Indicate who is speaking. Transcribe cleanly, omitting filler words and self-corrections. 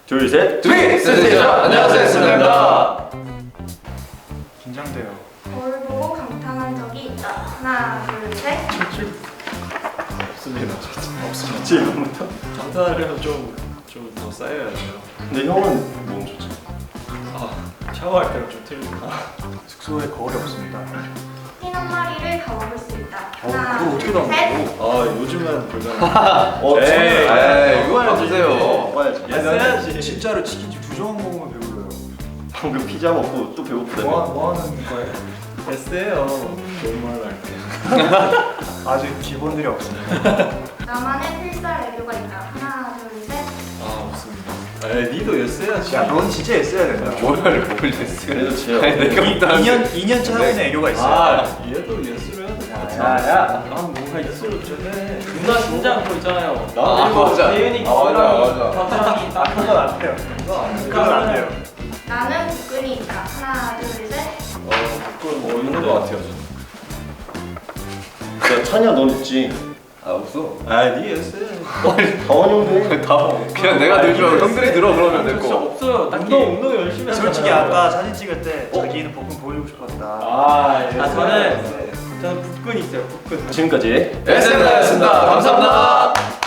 Speaker 1: 둘, 셋.
Speaker 2: 센세이션! 안녕하세요, 센세이션입니다.
Speaker 3: 긴장돼요.
Speaker 4: 거울 보고 감탄한 적이 있다. 하나, 둘, 셋.
Speaker 2: 없습니다. 없습니다.
Speaker 1: 질문부터.
Speaker 2: 감탄하려면 좀 더 쌓여야 돼요.
Speaker 1: 근데 형은 몸 좋지.
Speaker 2: 샤워할 때랑 좀 틀린다.
Speaker 3: 숙소에 거울이 없습니다.
Speaker 4: 흰 한 마리를 가먹을 수 있다.
Speaker 3: 그거
Speaker 4: 하나,
Speaker 3: 어떻게
Speaker 4: 둘, 셋.
Speaker 2: 요즘은 불가능.
Speaker 1: 에이,
Speaker 2: 이거 해야지.
Speaker 1: 먹어야지.
Speaker 2: 했어야지.
Speaker 3: 진짜로 치킨집 2조각 먹으면 배불러요.
Speaker 1: 방금 피자 먹고 또 배고프다며.
Speaker 3: 뭐 하는 거예요?
Speaker 2: 했어요. 좋은 말로 할게요.
Speaker 3: 아직 기본들이 없습니다.
Speaker 4: 나만의 필살 애교가 있다. 하나, 둘, 셋.
Speaker 2: 없습니다. 니도 했어야지.
Speaker 3: 야, 넌 진짜 했어야 된다.
Speaker 2: 뭘 했어?
Speaker 1: 그래도 지금.
Speaker 2: 내가
Speaker 3: 2년째 하고 있는 애교가 있어요.
Speaker 2: 얘도 예술을 해야 돼.
Speaker 3: 야.
Speaker 2: 난 뭔가 예술을 좀 해.
Speaker 5: 누나 진짜 그거 있잖아요.
Speaker 2: 맞아.
Speaker 5: 대윤이
Speaker 2: 맞아.
Speaker 5: 겨드랑이 딱
Speaker 3: 그건 안 돼요. 그건 안 돼요.
Speaker 4: 나는 복근이 있다. 하나, 둘, 셋.
Speaker 2: 그건 있는 거 같아요.
Speaker 1: 야, 찬이야, 넌 있지.
Speaker 2: 없어. 니 했어요.
Speaker 1: 다원이 형도 해.
Speaker 2: 그냥 내가 들지 말고 형들이 들어 그러면 될
Speaker 5: 진짜
Speaker 2: 거.
Speaker 5: 없어요. 딱히.
Speaker 2: 운동 열심히 하잖아.
Speaker 3: 솔직히 아까 사진 찍을 때 자기는 복근 보여주고 싶었다.
Speaker 5: 저는 복근 있어요. 복근.
Speaker 1: 지금까지
Speaker 2: SNS였습니다. 감사합니다.